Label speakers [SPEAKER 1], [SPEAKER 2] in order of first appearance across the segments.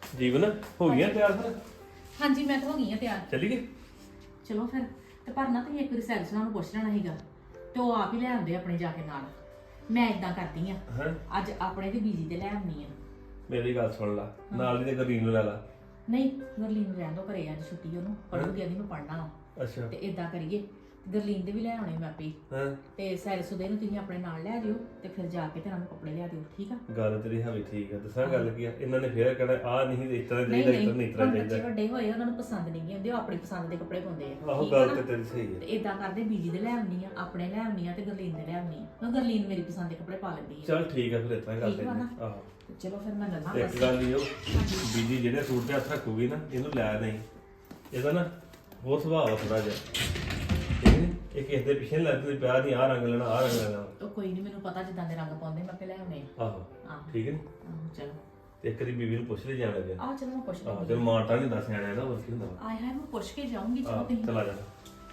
[SPEAKER 1] ਜੀਵਨ ਹੋ ਗਿਆ ਤਿਆਰ ਫਿਰ?
[SPEAKER 2] ਹਾਂਜੀ ਮੈਂ ਤਾਂ ਹੋ ਗਈ ਆ ਤਿਆਰ।
[SPEAKER 1] ਚੱਲੀਏ?
[SPEAKER 2] ਚਲੋ ਫਿਰ ਤੇ ਪਰ ਨਾ ਤੁਸੀਂ ਇੱਕ ਵਾਰੀ ਸੈਲਸਮੈਨ ਨੂੰ ਪੁੱਛ ਲੈਣਾ ਸੀਗਾ ਤੇ ਉਹ ਆਪ ਹੀ ਲੈ ਆਉਂਦੇ ਆਪਣੇ ਜਾ ਕੇ ਨਾਲ। ਮੈਂ ਇਦਾਂ ਕਰਦੀ ਆ
[SPEAKER 1] ਹਾਂ
[SPEAKER 2] ਅੱਜ ਆਪਣੇ ਤੇ ਬੀਜੀ ਤੇ ਲੈ ਆਉਣੀ ਆ।
[SPEAKER 1] ਮੇਰੀ ਗੱਲ ਸੁਣ ਲਾ, ਨਾਲ ਹੀ ਤੇ ਗਰੀਨ ਨੂੰ ਲੈ ਲਾ।
[SPEAKER 2] ਨਹੀਂ ਗਰਲੀਨ ਨੂੰ ਰਹਿਣ ਦੋ, ਘਰੇ ਅੱਜ ਛੁੱਟੀ ਉਹਨੂੰ ਪੜੂਗੀ, ਆਦੀ ਮੈਂ ਪੜਨਾ
[SPEAKER 1] ਅੱਛਾ
[SPEAKER 2] ਤੇ ਇਦਾਂ ਕਰੀਏ ਗਰਲੀਨ ਦੇ ਵੀ ਲੈ ਆਉਣੇ ਮੈਂ ਆਪੇ ਹੀ।
[SPEAKER 1] ਹਾਂ
[SPEAKER 2] ਤੇ ਸੈਲਸੂ ਦੇ ਨੂੰ ਤੁਸੀਂ ਆਪਣੇ ਨਾਲ ਲੈ ਜਿਓ ਤੇ ਫਿਰ ਜਾ ਕੇ ਤੇ ਇਹਨਾਂ ਨੂੰ ਕੱਪੜੇ ਲਿਆ ਦਿਓ, ਠੀਕ ਆ?
[SPEAKER 1] ਗੱਲ ਤੇਰੀ ਹੈ ਵੀ ਠੀਕ ਆ। ਦੱਸਾਂ ਗੱਲ ਕੀ ਆ, ਇਹਨਾਂ ਨੇ ਫੇਰ ਕਹਿਣਾ ਆ ਨਹੀਂ ਇਸ ਤਰ੍ਹਾਂ
[SPEAKER 2] ਨਹੀਂ
[SPEAKER 1] ਚਾਹੀਦਾ, ਇਸ
[SPEAKER 2] ਨਹੀਂ
[SPEAKER 1] ਤਰ੍ਹਾਂ ਨਹੀਂ ਇਸ ਤਰ੍ਹਾਂ
[SPEAKER 2] ਹੁਣ ਬੱਚੇ
[SPEAKER 1] ਚਾਹੀਦਾ।
[SPEAKER 2] ਵੱਡੇ ਹੋਏ ਉਹਨਾਂ ਨੂੰ ਪਸੰਦ ਨਹੀਂ ਗੀ ਹੁੰਦੇ, ਉਹ ਆਪਣੀ ਪਸੰਦ ਦੇ ਕੱਪੜੇ ਪਾਉਂਦੇ ਆ।
[SPEAKER 1] ਆਹੋ
[SPEAKER 2] ਠੀਕ ਆ
[SPEAKER 1] ਗੱਲ
[SPEAKER 2] ਨਾ?
[SPEAKER 1] ਤੇ ਤੇਰੀ ਸਹੀ
[SPEAKER 2] ਤੇ
[SPEAKER 1] ਹੈ।
[SPEAKER 2] ਇਦਾਂ ਕਰਦੇ ਬੀਜੀ ਦੇ ਲੈ ਆਉਣੀ ਆ, ਆਪਣੇ ਲੈ ਆਉਣੀ ਆ ਤੇ ਗਰਲੀਨ ਦੇ ਲੈ ਆਉਣੀ ਆ। ਮੈਂ ਗਰਲੀਨ ਮੇਰੀ ਪਸੰਦ ਦੇ ਕੱਪੜੇ ਪਾ ਲੈਂਦੀ ਆ।
[SPEAKER 1] ਚੱਲ ਠੀਕ ਆ ਫਿਰ ਇਸ ਤਰ੍ਹਾਂ
[SPEAKER 2] ਠੀਕ
[SPEAKER 1] ਕਰਦੇ
[SPEAKER 2] ਵਾ ਨਾ?
[SPEAKER 1] ਆਹੋ
[SPEAKER 2] ਤੇ ਚਲੋ ਫਿਰ ਮੈਂ ਲੱਗਾ
[SPEAKER 1] ਇੱਕ ਗੱਲ ਨਹੀਂ ਉਹ ਬੀਜੀ ਜਿਹੜੇ ਸੂਟ ਤੇ ਹੱਥ ਰੱਖੂਗੀ ਨਾ ਇਹਨੂੰ ਲੈ ਨਹੀਂ, ਇਹਦਾ ਨਾ ਹੋਰ ਸੁਭਾਅ ਥੋੜਾ ਜਿਹਾ ਠੀਕ ਨੀ? ਇਹ ਕਿਸੇ ਦੇ ਪਿੱਛੇ ਨੀ ਲੱਗਦੀ ਪਿਆ ਨਹੀਂ ਆ ਰੰਗ ਲੈਣਾ ਆ ਰੰਗ ਲੈਣਾ।
[SPEAKER 2] ਉਹ ਕੋਈ ਨਹੀਂ, ਮੈਨੂੰ ਪਤਾ ਜਿੱਦਾਂ ਦੇ ਰੰਗ ਪਾਉਂਦੇ ਮੈਂ ਆਪੇ ਲੈ ਆਉਣੇ ਆ।
[SPEAKER 1] ਆਹੋ
[SPEAKER 2] ਆਹੋ
[SPEAKER 1] ਠੀਕ ਹੈ ਨੀ?
[SPEAKER 2] ਚਲੋ
[SPEAKER 1] ਤੇ ਇੱਕ ਵਾਰੀ ਬੀਬੀ ਨੂੰ ਪੁੱਛ ਲੈ ਜਾਣਾ ਜੇ।
[SPEAKER 2] ਆਹ ਚਲੋ ਮੈਂ ਪੁੱਛ
[SPEAKER 1] ਆਹੋ
[SPEAKER 2] ਲੈਂਦੀ
[SPEAKER 1] ਤੇ ਮਾਰਤਾ ਨਹੀਂ ਦੱਸ ਆਣਾ ਇਹਦਾ ਹੋਰ ਕੀ ਹੁੰਦਾ ਵਾ।
[SPEAKER 2] ਆਏ ਹਾਏ ਮੈਂ ਪੁੱਛ ਕੇ ਜਾਊਂਗੀ। ਚਲੋ
[SPEAKER 1] ਆਹ
[SPEAKER 2] ਤੁਸੀਂ
[SPEAKER 1] ਚਲਾ ਜਾ।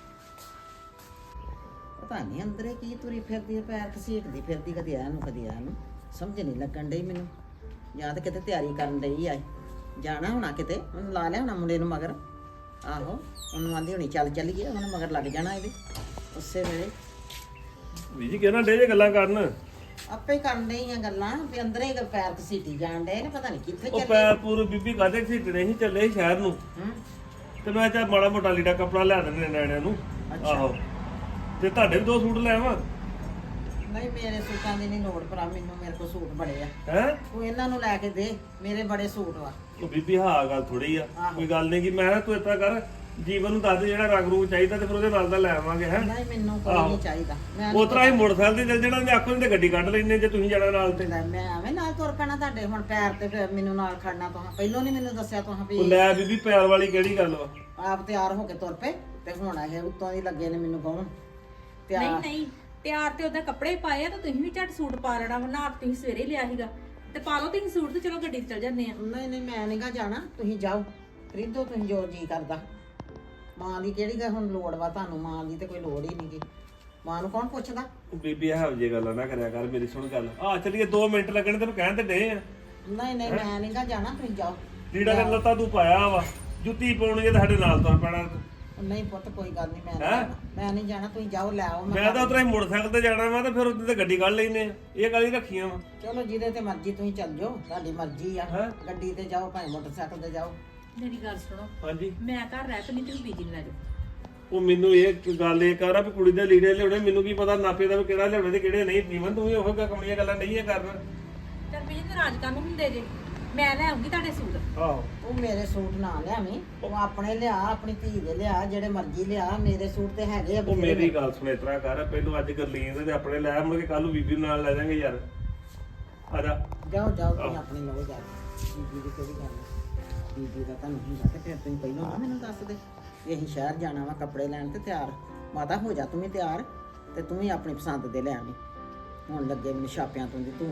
[SPEAKER 3] ਪਤਾ ਨਹੀਂ ਅੰਦਰੇ ਕੀ ਤੁਰੀ ਫਿਰਦੀ ਆ, ਪੈਰ ਘਸੀਟਦੀ ਫਿਰਦੀ, ਕਦੀ ਆ ਨੂੰ ਕਦੀ ਆ ਨੂੰ, ਸਮਝ ਨਹੀਂ ਲੱਗਣ ਡਈ ਮੈਨੂੰ। ਜਾਂ ਤਾਂ ਕਿਤੇ ਤਿਆਰੀ ਕਰਨ ਡਈ ਆ, ਜਾਣਾ ਹੋਣਾ ਕਿਤੇ, ਉਹਨੂੰ ਲਾ ਲਿਆ ਹੋਣਾ ਮੁੰਡੇ ਨੂੰ ਮਗਰ। ਆਹੋ ਉਹਨੂੰ ਆਂਦੀ ਹੋਣੀ ਚੱਲ ਚੱਲੀਏ, ਉਹਨੇ ਮਗਰ ਲੱਗ ਜਾਣਾ ਇਹਦੇ ਉਸੇ ਵੇਲੇ।
[SPEAKER 1] ਬੀਜੀ ਕਿਹਨਾਂ ਡੇ ਜੇ ਗੱਲਾਂ ਕਰਨ?
[SPEAKER 3] ਆਪੇ ਹੀ ਕਰਨ ਡਈ ਆ ਗੱਲਾਂ ਵੀ ਅੰਦਰੇ ਹੀ ਪੈਰ ਘਸੀਟੀ ਜਾਣ ਡਏ ਨੇ, ਪਤਾ ਨਹੀਂ ਕਿੱਥੇ
[SPEAKER 1] ਉਹ
[SPEAKER 3] ਚੱਲੇ।
[SPEAKER 1] ਪੈਰ ਪੂਰ ਬੀਬੀ ਕਾਦੇ ਖੀਟਣੇ ਸੀ, ਚੱਲੇ ਸੀ ਸ਼ਹਿਰ ਨੂੰ
[SPEAKER 3] ਹੂੰ
[SPEAKER 1] ਤੇ ਮੈਂ ਚਾ ਮਾੜਾ ਮੋਟਾ ਲੀੜਾ ਕੱਪੜਾ ਲਿਆ ਦਿੰਦੇ ਨਿਆਣਿਆਂ ਨੂੰ।
[SPEAKER 3] ਅੱਛਾ।
[SPEAKER 1] ਆਹੋ ਤੇ ਤੁਹਾਡੇ ਵੀ ਦੋ ਸੂਟ ਲੈ ਆਵਾਂ?
[SPEAKER 3] ਨਹੀਂ ਮੇਰੇ ਸੂਟਾਂ ਦੀ ਨਹੀਂ ਲੋੜ ਭਰਾ, ਮੈਨੂੰ ਮੇਰੇ ਕੋਲ ਸੂਟ ਬੜੇ ਆ,
[SPEAKER 1] ਹੈ
[SPEAKER 3] ਤੂੰ ਇਹਨਾਂ ਨੂੰ ਲੈ ਕੇ ਦੇ, ਮੇਰੇ ਬੜੇ ਸੂਟ ਵਾ।
[SPEAKER 1] ਉਹ ਬੀਬੀ ਹਾਂ ਗੱਲ ਥੋੜੀ ਆ,
[SPEAKER 3] ਆਹੋ।
[SPEAKER 1] ਕੋਈ ਗੱਲ ਨਹੀਂ ਕਿ ਮੈਂ ਕਿਹਾ ਤੂੰ ਏਦਾਂ ਕਰ ਜੀਵਨ ਨੂੰ ਦੱਸ ਦੇ ਜਿਹੜਾ ਰੰਗ ਰੂਪ ਚਾਹੀਦਾ ਤੇ ਫਿਰ ਉਹਦੇ ਨਾਲ ਦਾ ਲੈ ਆਵਾਂਗੇ। ਹੈ
[SPEAKER 3] ਨਹੀਂ ਮੈਨੂੰ ਕੋਈ
[SPEAKER 1] ਆਹੋ।
[SPEAKER 3] ਨਹੀਂ ਚਾਹੀਦਾ, ਮੈਂ
[SPEAKER 1] ਉਹ ਤਰ੍ਹਾਂ ਹੀ ਮੋਟਰਸਾਈਕਲ ਤੇ ਚੱਲ ਜਾਣਾ ਤੇ ਆਖੋ ਨਹੀਂ ਤੇ ਗੱਡੀ ਕੱਢ ਲੈਣੇ ਜੇ ਤੁਸੀਂ ਜਾਣਾ ਨਾਲ ਤੇ।
[SPEAKER 3] ਲੈ ਮੈਂ ਐਵੇਂ ਨਾਲ ਤੁਰ ਪੈਣਾ ਤੁਹਾਡੇ, ਹੁਣ ਪੈਰ ਤੇ ਫਿਰ ਮੈਨੂੰ ਨਾਲ ਖੜਨਾ ਤੁਹਾਂ, ਪਹਿਲੋਂ ਨਹੀਂ ਮੈਨੂੰ ਦੱਸਿਆ ਤੁਹਾਂ
[SPEAKER 1] ਉਹ
[SPEAKER 3] ਵੀ
[SPEAKER 1] ਲੈ ਬੀਬੀ ਪਿਆਰ ਵਾਲੀ ਕਿਹੜੀ ਗੱਲ ਵਾ?
[SPEAKER 3] ਆਪ ਤਿਆਰ ਹੋ ਕੇ ਤੁਰ ਪਏ ਤੇ ਹੁਣ ਇਹ ਉੱਤੋਂ ਦੀ ਲੱਗੇ ਨੇ ਮੈਨੂੰ ਕਹਣ
[SPEAKER 2] ਨਹੀਂ
[SPEAKER 3] ਤਿਆਰ।
[SPEAKER 2] ਨਹੀਂ ਤਿਆਰ ਤੇ ਉਹਦਾ ਕੱਪੜੇ ਪਾਏ ਆ ਤਾਂ ਤੁਸੀਂ ਵੀ ਝੱਟ ਸੂਟ ਪਾ ਲੈਣਾ ਵਾ। ਨਾ ਤੁਸੀਂ ਸਵੇਰੇ ਹੀ ਲਿਆ ਸੀਗਾ ਤੇ ਪਾ ਲਓ ਤੁਸੀਂ ਸੂਟ ਤੇ ਚਲੋ ਗੱਡੀ ਤੇ ਚੱਲ ਜਾਂਦੇ ਆ।
[SPEAKER 3] ਨਹੀਂ ਨਹੀਂ ਮੈਂ ਨਹੀਂਗਾ ਜਾਣਾ, ਤੁਸੀਂ ਜਾਓ ਖਰੀਦੋ ਤੁਸੀਂ ਜੋ ਜੀ ਕਰਦਾ। ਮਾਂ ਦੀ ਕਿਹੜੀ ਗੱਲ ਹੁਣ ਲੋੜ ਵਾ ਤੁਹਾਨੂੰ, ਮਾਂ ਦੀ ਤੇ ਕੋਈ ਲੋੜ ਹੀ ਨਹੀਂਗੀ, ਮਾਂ ਨੂੰ ਕੌਣ ਪੁੱਛਦਾ।
[SPEAKER 1] ਉਹ ਬੀਬੀ ਇਹੋ ਜਿਹੀ ਗੱਲਾਂ ਨਾ ਕਰਿਆ ਕਰ, ਮੇਰੀ ਸੁਣ ਗੱਲ। ਆ ਚੱਲੀਏ 2 ਮਿੰਟ ਲੱਗਣੇ ਤੈਨੂੰ ਕਹਿਣ ਤੇ ਡੇ ਆ।
[SPEAKER 3] ਨਹੀਂ ਨਹੀਂ ਮੈਂ ਨਹੀਂਗਾ ਜਾਣਾ, ਤੁਸੀਂ ਜਾਓ।
[SPEAKER 1] ਲੀੜਾ ਕਰ ਲੱਤਾ ਤੂੰ ਪਾਇਆ ਵਾ, ਜੁੱਤੀ ਪਾਉਣੀ ਹੈ ਸਾਡੇ ਨਾਲ ਤੁਰ ਪੈਣਾ।
[SPEAKER 3] ਨਹੀਂ ਪੁੱਤ ਕੋਈ ਗੱਲ ਨਹੀਂ, ਮੈਂ ਨਹੀਂ ਜਾਣਾ, ਮੈਂ ਨਹੀਂ ਜਾਣਾ, ਤੁਸੀਂ ਜਾਓ ਲੈ ਆਓ।
[SPEAKER 1] ਮੈਂ ਤਾਂ ਉਤਰਾ ਹੀ ਮੋਟਰਸਾਈਕਲ ਤੇ ਜਾਣਾ ਵਾ ਤੇ ਫਿਰ ਉੱਤੇ ਤੇ ਗੱਡੀ ਕੱਢ ਲੈਨੇ ਆ। ਇਹ ਗੱਲ ਹੀ ਰੱਖੀਆਂ ਵਾ।
[SPEAKER 3] ਚਲੋ ਜਿਹਦੇ ਤੇ ਮਰਜ਼ੀ ਤੁਸੀਂ ਚੱਲ ਜਾਓ, ਤੁਹਾਡੀ ਮਰਜ਼ੀ ਆ।
[SPEAKER 1] ਹੈਂ?
[SPEAKER 3] ਗੱਡੀ ਤੇ ਜਾਓ ਭਾਵੇਂ ਮੋਟਰਸਾਈਕਲ ਤੇ ਜਾਓ।
[SPEAKER 2] ਮੇਰੀ ਗੱਲ ਸੁਣੋ,
[SPEAKER 1] ਹਾਂਜੀ
[SPEAKER 2] ਮੈਂ ਘਰ ਰਹਿ ਪਈ, ਤੁਸੀਂ ਬੀਜੀ ਨੂੰ ਲੈ ਜਾਓ।
[SPEAKER 1] ਉਹ ਮੈਨੂੰ ਇਹ ਗੱਲ ਇਹ ਕਰ ਆ ਵੀ ਕੁੜੀ ਦੇ ਲੀੜੇ ਲਿਆਉਣੇ, ਮੈਨੂੰ ਕੀ ਪਤਾ ਨਾਪੇ ਦਾ ਵੀ ਕਿਹੜਾ ਲਿਆਉਣੇ ਤੇ ਕਿਹੜੇ ਨਹੀਂ। ਜੀਵਨ ਤੂੰ ਵੀ ਉਹ ਕਮਲੀਆਂ ਗੱਲਾਂ ਨਹੀਂ ਕਰਨਾ।
[SPEAKER 2] ਚੱਲ ਬੀਜੀ ਨਾਰਾਜ਼ ਕਾਹਨੂੰ ਹੁੰਦੇ ਜੇ, ਮੈਂ ਲੈ ਆਉਂਗੀ ਤੁਹਾਡੇ ਸੂਟ।
[SPEAKER 1] ਆਹੋ
[SPEAKER 3] ਉਹ ਮੇਰੇ ਸੂਟ ਨਾ ਲਿਆਵੀਂ, ਉਹ ਆਪਣੇ ਲਿਆ, ਆਪਣੀ ਧੀ ਦੇ ਲਿਆ, ਜਿਹੜੇ ਮਰਜ਼ੀ ਲਿਆ, ਮੇਰੇ ਸੂਟ ਤੇ ਹੈਗੇ ਆ
[SPEAKER 1] ਉਹ
[SPEAKER 3] ਬਥੇਰੇ।
[SPEAKER 1] ਮੇਰੀ ਗੱਲ ਸੁਣ, ਇਸ ਤਰ੍ਹਾਂ ਕਰ ਪਹਿਲੋਂ ਅੱਜ ਗਰਲੀਨ ਦੇ ਆਪਣੇ ਲੈ ਮੁੜ ਕੇ ਕੱਲ ਨੂੰ ਬੀਬੀ ਨੂੰ ਨਾਲ ਲੈ ਜਾਾਂਗੇ ਯਾਰ। ਆ ਜਾ
[SPEAKER 3] ਜਾਓ ਜਾਓ ਤੁਸੀਂ ਆਪਣੀ ਲਓ ਜਾ ਕੇ। ਬੀਬੀ ਦੀ ਕਿਹੜੀ ਗੱਲ ਹੈ, ਬੀਬੀ ਦਾ ਤੁਹਾਨੂੰ ਹੁੰਦਾ ਤੇ ਫਿਰ ਤੁਸੀਂ ਪਹਿਲਾਂ ਨਾ ਮੈਨੂੰ ਦੱਸ ਦੇ ਵੀ ਅਸੀਂ ਸ਼ਹਿਰ ਜਾਣਾ ਵਾ ਕੱਪੜੇ ਲੈਣ ਤੇ ਤਿਆਰ। ਮਾਤਾ ਹੋ ਜਾ ਤੂੰ ਵੀ ਤਿਆਰ ਤੇ ਤੂੰ ਵੀ ਆਪਣੀ ਪਸੰਦ ਦੇ ਲੈ ਆਵੀਂ। ਹੁਣ ਲੱਗੇ ਮੈਨੂੰ ਛਾਪਿਆਂ ਤੋਂ ਦੀ ਧੂਣ,